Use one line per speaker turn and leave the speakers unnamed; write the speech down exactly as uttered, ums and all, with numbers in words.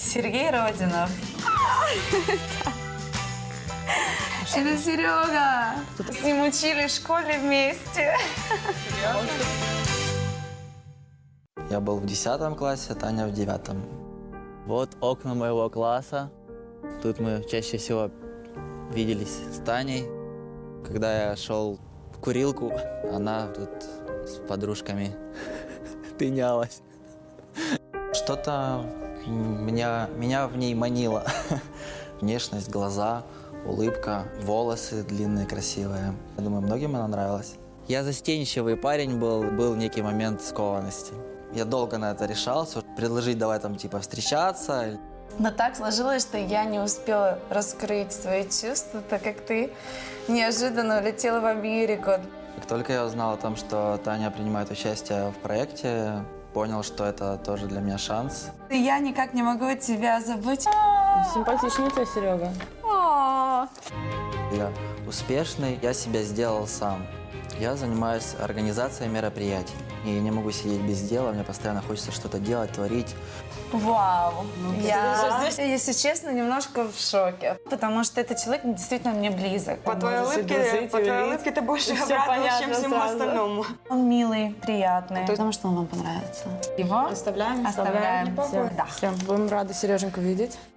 Сергей Родинов.
Это Серега.
С ним учились в школе вместе.
Я был в десятом классе, Таня в девятом.
Вот окна моего класса. Тут мы чаще всего виделись с Таней. Когда я шел в курилку, она тут с подружками тынялась.
Что-то меня, меня в ней манило. Внешность, глаза, улыбка, волосы длинные, красивые. Я думаю, многим она нравилась. Я застенчивый парень был, был некий момент скованности. Я долго на это решался, предложить давай там типа встречаться.
Но так сложилось, что я не успела раскрыть свои чувства, так как ты неожиданно улетела в Америку.
Как только я узнал о том, что Таня принимает участие в проекте, понял, что это тоже для меня шанс.
Я никак не могу тебя забыть.
Симпатичный тебя, Серега.
Я успешный, я себя сделал сам. Я занимаюсь организацией мероприятий. И не могу сидеть без дела, мне постоянно хочется что-то делать, творить.
Вау. Я, если честно, немножко в шоке. Потому что этот человек действительно мне близок.
По твоей
Можешь и
улыбке,
дружить,
по
и
твоей
любить.
улыбке ты больше
И всё
обрадовалась, чем
понятно
всему
сразу.
остальному.
Он милый, приятный.
Потому что он вам понравится.
Его
Оставляем?
оставляем.
Все,
Да.
все, будем рады Сереженьку видеть.